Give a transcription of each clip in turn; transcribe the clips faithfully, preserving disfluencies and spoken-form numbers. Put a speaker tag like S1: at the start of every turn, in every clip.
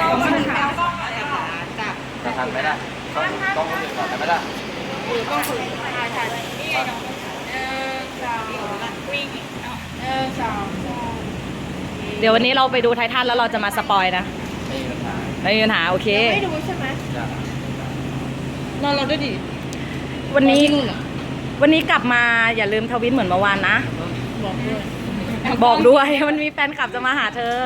S1: ต้องมาถาม
S2: จับ
S3: จะทันไม่ได้ต้องต้องคนอื่นก่อนได้ไหมล่ะ
S2: หรือต้องคุยถ่ายถ่ายนี่ไงน้องเออสาววิ่งเออสาว
S1: เดี๋ยววันนี้เราไปดูไททันแล้วเราจะมาสปอยนะ
S3: ไม่มีปัญหา
S1: ไม่มีปัญหาโอเค
S2: ไม่ดูใช่ไหม
S3: จ้ะ
S2: นอนเราด้วยดิ
S1: วันนี้วันนี้กลับมาอย่าลืมทวิตเหมือนเมื่อวานนะ
S2: บอกด้วย
S1: บอกด้วย มันมีแฟนคลับจะมาหาเธอ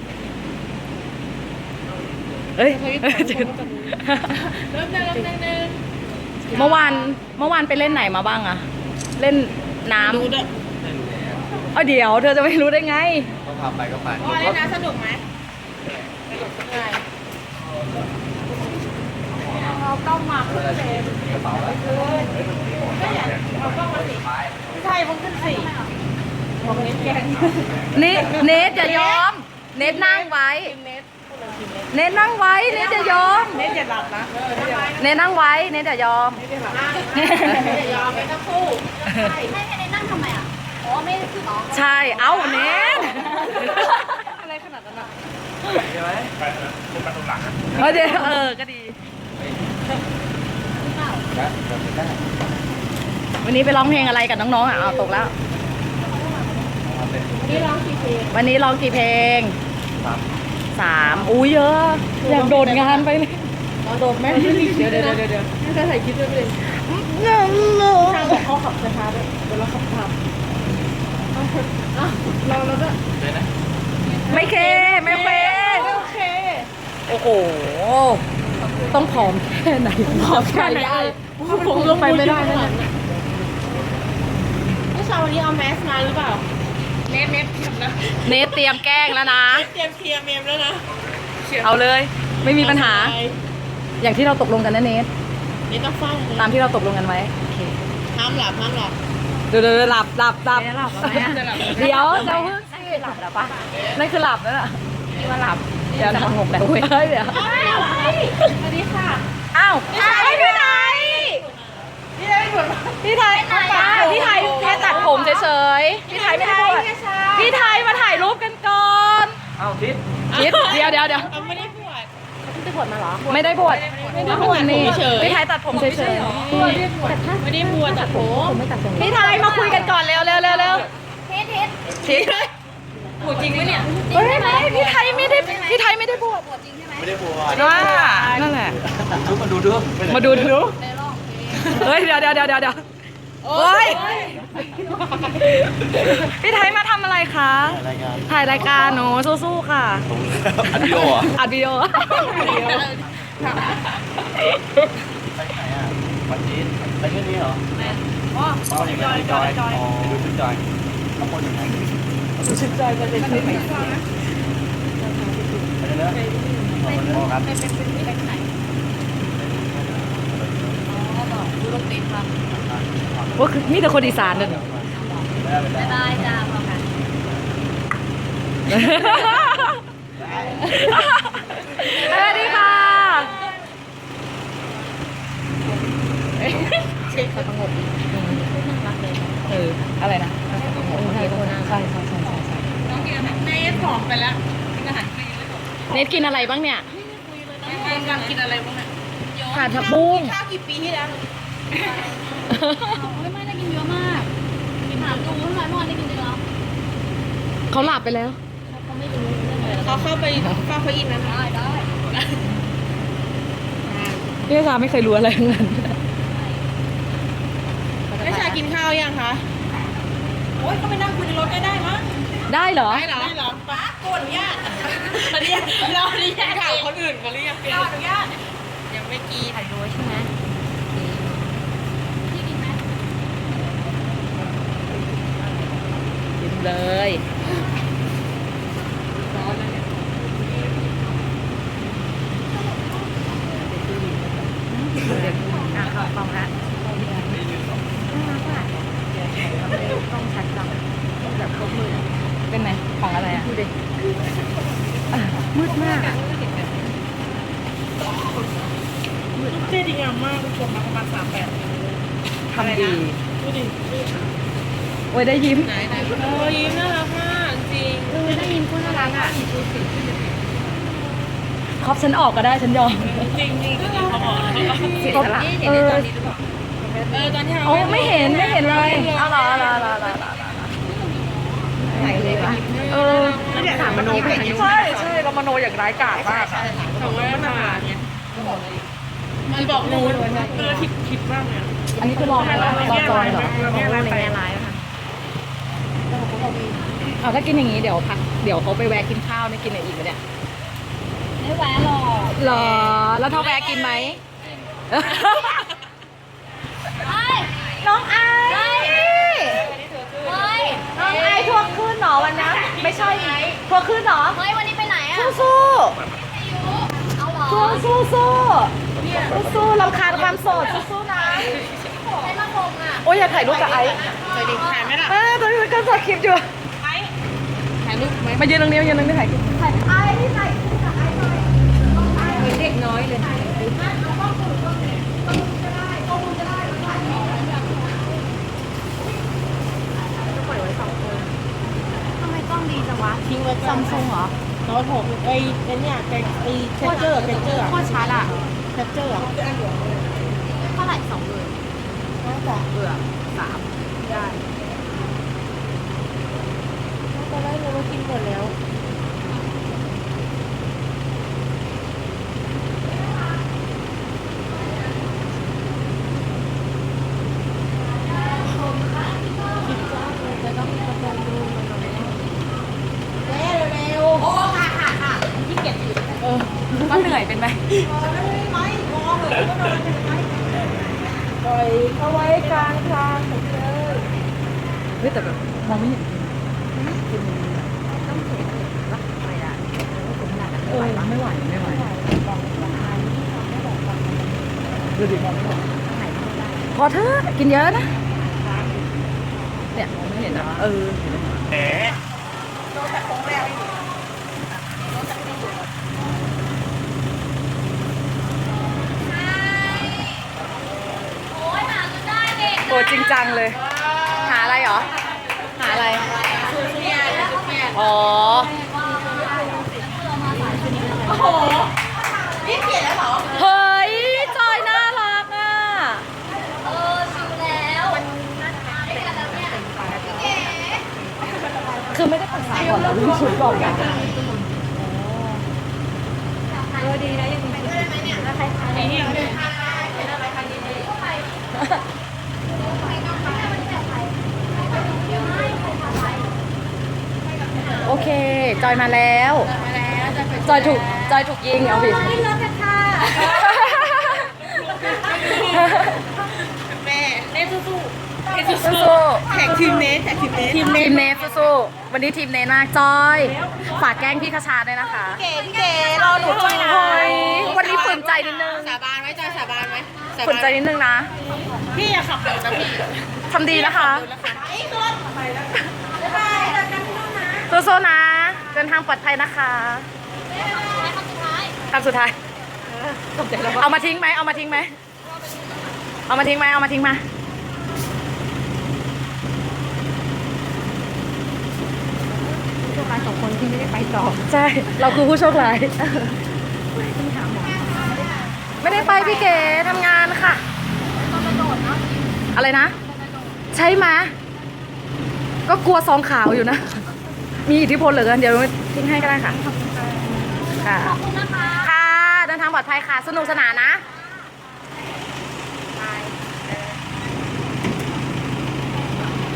S1: เอ้ย
S2: เริ่มเริ่มเริ่มเริ่ม
S1: เมื่อวานเมื่อวานไปเล่นไหนมาบ้างอะเล่นน้ำ
S2: ดูด้วย
S3: ไม่รู้แล้ว
S1: เออเดี๋ยวเธอจะไม่รู้ได้ไง
S3: ต้องพาไปก็ไป
S2: ว่าเล่นน้ำสนุกไหมสนุกไงเราต้องมาขึ้นเลย
S3: กระเป๋าแล้ว
S2: ก็อยากเอากล้องมาสิไม่ใช่ผมขึ้นสี่บอกเน็ตแกง
S1: เนทเนทจะยอม เนทนั่งไว้
S2: เน็ต
S1: เนทนั่งไว้ เนทจะยอม
S2: เน็ตอย่าหลับนะเออ
S1: เนทนั่งไว้ เนทจะยอม
S2: เน็ตอย่าหลับเน็ตอย่ายอมไม่ต้องคู่ใช่
S4: ให้ให้ในนั่งทำไมอ่ะ อ๋อ ไม่ได้คืออ๋อ
S1: ใช่ เอ้าเนท
S2: อะไรขนาดนั้นอ่ะ
S3: ใช่ไหม
S1: เออเดี๋ยวเออ ก็ดี
S3: นะเดินไปได้
S1: วันนี้ไปร้องเพลงอะไรกับน้องๆอ่ะเอาตกแล้ว
S3: มาเป็น
S2: นี่ร้องกี่เพลง
S1: วันนี้ร้องกี่เพลง
S3: สาม
S1: สามอุ้ยเยอะอยากโดดงานไปเลย
S2: ร้องโดดแม่เดี๋ยวเดี๋ยวเดี๋ยวเดี๋ยวไม่ได้ถ่ายคลิปด้วยเลยทางบอกเขาขับช้าๆด้วยเดี๋ยวเราขับตามเราเราด้วย
S3: เลยนะ
S1: ไม่เค ไม่เค
S2: โอเค
S1: โอ้โห ต้องผอมแค่ไหนผอมแค่ไหน
S2: ผมลงไปไม่ได้นะผู้ชายวันนี้เอาแมสมาหรือเปล่าเน็ตเน็ตเตรียมนะ
S1: เนทเตรียมแกล้งแล้วนะ
S2: เตรียมเคลียร์เมมแล้วนะ
S1: เอาเลย ไม่มีปัญหา อย่างที่เราตกลงกันนะเนท
S2: นี่ต้องฟัง
S1: ตามที่เราตกลงกันไว้โอเค
S2: ห้ามหลับห้ามหลับ
S1: เดี๋ยวเดี๋ยวหลับหลับหลับ
S2: จะหลับแล้วไหมจะหลับ
S1: เดี๋ยวจะเพิ่งสิหลับแล้วปะนั่นคือหลับแล้วน่ะว่าหลับ เดี๋ยวนะหกแล้วเว้ยเดี๋ยว
S2: สวัสดีค่ะ
S1: อ้าวพี่ไทยพี่ไทย
S2: พี่ได้หมด
S1: พี่ไทยพี่ไทยแค่ตัดผมเฉยๆพี่ไทยไม่ได้บวชพี่ไทยมาถ่ายรูปกันก่อน
S3: เอ้าทิศ
S1: คิดเดี๋ยวเดี๋ยวเดี๋ยว
S2: ไม่ได้บวช
S1: ไม่ได้บวชไม่ได้บวชนี่พี่ไทยตัดผมเฉย
S2: ไม่ได้บวชตัดผม
S1: ๆพี่ไทยมาคุยกันก่อนเร็วเร็วเร็วเร็ว
S4: เทสเทส
S1: ชิด
S2: บวชจริงไหมเนี่ย
S1: เฮ้ยไม่พี่ไทยไม่ได้พี่ไทยไม่ได้บวช
S4: ปวดจริงใช่ไหม
S3: ไม่ได้บวช
S1: ว่านั่นแหละ
S3: ดูมาดูดู
S1: มาดูดู
S4: ในร่องเพลง
S1: เฮ้ยเดี๋ยวเดี๋ยวเดี๋ยวเดี๋ยวโอ้ยพี่ไทยมาทำอะไรคะ
S3: รายงาน
S1: ถ่ายรายการหนูสู้ๆค่ะ
S3: ผมอัดวิดีโอเหรอ
S1: อัดวิดีโอ
S3: ไปไหนอ่ะวันจีนไปที่นี่เหรออ๋ออ๋ออย่างนั้นจอยจอยอ๋อดูชุดจอยข้างบนอย่างนั้น
S1: ชุดจอยจะเป็นชุดไหน
S3: ไปเลยนะขอบคุณครับ
S4: ไปเป็นเป็นไปไหนอ๋อบอกดูโรงเรียนครับ
S1: ว่าคือมีแต่คนอีสานเลย
S4: บ๊ายบายจ้าพอกัน
S1: สวัสดีค่ะ
S4: เช็คเขาสงบดีน่ารักเลย
S1: เอออะไรนะใช่ใช่ใช่ใช่ใช่ใช่
S2: น้องกินอาหารเนสผอมไปแล้วกินอาหารคลีนเลย
S1: เนทกินอะไรบ้างเนี่ย
S2: ไม่กำลังกินอะไรบ้างเนี่ย
S1: ขาดผักบุ้ง
S2: ข้าวกี่ปีที่แล้ว
S4: ไม่ไม่ได้กินเยอะมากถามดูทำไมเมื่อวานได้กินเยอะ
S1: เขาหลับไปแล้ว
S4: เขาไม่รู้เรื่องอะไรแล้ว
S2: เขาเข้าไปฟ้าเขาอินนะ
S4: ได้ได้
S1: พี่ชาไม่เคยรู้อะไรทั้งนั้น
S2: ไม่ชากินข้าวยังคะโอ๊ยก็ไปนั่งคุยในรถก็ได้มั้ง
S1: ได้เหรอ
S2: ได้เหรอได้เหรอป้าโกนอนุญาตอันนี้เราอนุญาตถามคนอื่นเขาเรียกเราอนุญาตยังไม่กีถ่ายด้วยใช่ไหม
S4: พี่กินไหม
S1: กินเลย
S2: ร้อนแล้วเนี่ย
S1: อ่ะเขาฟังละต้องชัดจังแบบครบมือเป็นไงของอะไรอ่ะดูดิมืดมากอ่ะ
S2: เจ๊ดีงามมากคุณชมมาประมาณสามแปด
S1: ทำดี
S2: ดูดิ
S1: โอ้ยได้ยิ้ม
S2: ไหนไหนโอ้ยิ้มน่ารักมากจริง
S4: เออได้ยินพูดน่ารักอ่ะ
S2: น
S1: ครอบฉันออกก็ได้ฉันยอม
S2: จริงจริงจริงเขาบอกแล้วเขาก็
S1: เสียสละ
S2: เห็นในตอนนี้หรือเปล่าเออตอนที่เรา
S1: โอ้ไม่เห็นไม่เห็นเลยเอาเหรอเอาเหรอเอาเหรอเอาเหรอ
S2: ไหนเลยวะ
S1: เออ
S2: แล้วเดี๋ยวถามมโนไปไหน
S1: ใช่ใช่เรามโนอย่างร้ายกาจมาก
S2: เขาว่ามาเนี่ยมันบอกนูนเออผิดผิดมากเลย
S1: อันนี้คือรออะไรวะรอจอยเหรอ
S2: เราเนี่ยอะไรไปอะไรค่ะ
S1: เอาถ้ากินอย่างนี้เดี๋ยวพักเดี๋ยวเขาไปแวะกินข้าวไม่กินอะไรอีกไหมเนี่ย
S4: ไม่แวะหรอก
S1: เหรอแล้วถ้าแวะกินไหม
S4: เฮ้ย
S1: น้องไอ
S4: เฮ้ย เฮ้ย
S1: น้องไอทัวร์ขึ้นหนอวันนะไม่ใช่ทัวร์ขึ้นหนอ
S4: เฮ้ย วันนี้ไปไหนอ่ะ
S1: สู้สู้
S4: เอาเหรอ
S1: สู้สู้สู้สู้สู้รำคาญความโสดสู้สู้นะ
S4: ไปมาคงอ่ะ
S1: โอ้ยอยากถ่ายรูปกับไอซ์
S2: เคยดิถ่ายไหมล่ะ
S1: เออตอนนี้มันก็สดคลิปอยู่
S2: ไอ้ถ่ายรูปไหม
S1: มายืนตรงนี้มายืนตรงนี้ถ่ายคลิปถ่ายไอซ์ที่ถ่ายคลิปกับไอซ์หน่อย
S2: เหมือนเด็กน้อยเลย
S1: ทำไมกล้องดีจังวะทิ้งไว้ซัมซุงเหรอ
S2: โน้ตหกไอ้ไอ้เนี่ยไอ้ไอ้แคปเจอร์แคปเจอร์
S1: โคตรชัดอ่ะ
S2: แคปเจอร์
S1: เท่าไหร่สองหมื่นน่าจะเบื่อสามได้
S2: ตอนแรกเรากินหมดแล้ว
S1: เออก็เหนื่อยเป็นไหม
S2: ปล่อยเขาไว้กลางทางหมดเลย
S1: เฮ้ยแต่แบบมองไม่เห็น เออไม่ไหวไม่ไหวดูดิมองไม่เห็นพอเถอะกินเยอะนะเนี่ยมองไม่เห็นนะเออ
S3: แหม
S4: โอ้ยหาจนได้เด็ก
S1: โกรธจริงจังเลย หาอะไรเหรอ หาอะไร อ๋อ
S2: โอ้โหนี่เปลี่ยนแล้วเหรอ
S1: เฮ้ย จอยน่ารักอ่ะ
S4: เออชิวแล้วไม่กันแล้วเนี่ยเก๋
S1: คือไม่ได้ปรึกษาก่อนเหรอเรื่องชุดบอกกัน
S4: เออดีนะยังมีไปด้วยได้ไหมเนี่ยแล้วใครใคร
S2: ไอ้เนี่ย
S1: โอเค จอยมาแล้ว จอยถูก จอยถูกยิงเอาผิด
S4: ไม่เลิกกันค่ะ
S2: แม่เอ้สู้ๆเอ้สู้
S1: สู้
S2: ๆแท็กทีมเนสแท็กทีมเนส
S1: ๆทีมเนสสู้ๆวันนี้ทีมเนสมากจอย ฝากแกล้งพี่คชาด้วยนะคะ
S2: เก๋พี่เก๋รอหนูด้วยนะ
S1: โอ้ยวันนี้ฝืนใจนิดนึง
S2: สาบานไหมจอยสาบานไหมสา
S1: ฝื
S2: บาน น
S1: ใจนิดนึงนะ
S2: พี่อย่าขับเร็วนะพี่
S1: ทำดีนะคะ
S2: ไอ้ตัวไปแล้วค่ะบ๊ายบายเจอกันที่นู่นนะ
S1: สู้ๆนะ เดินทางปลอดภัยนะคะคำสุดท้าย เอามาทิ้งไหม เอามาทิ้งไหม เอามาทิ้งไหม เอามาทิ้งมา
S2: โชคร้ายสองคนที่ไม่ได้ไปต่อ
S1: ใช่ เราคือผู้โชคร้ายไม่ได้ไปพี่เก๋ทำงานค่ะ อะไรนะ ใช่ไหมก็กลัวซองขาวอยู่นะ มีอิทธิพลเหลือเกินเดี๋ยวทิ้งให้ก็ได้ค่ะ ค่ะ
S4: ขอบคุณนะคะ
S1: ค่ะ เดินทางปลอดภัยค่ะ สนุกสนานนะ
S4: ค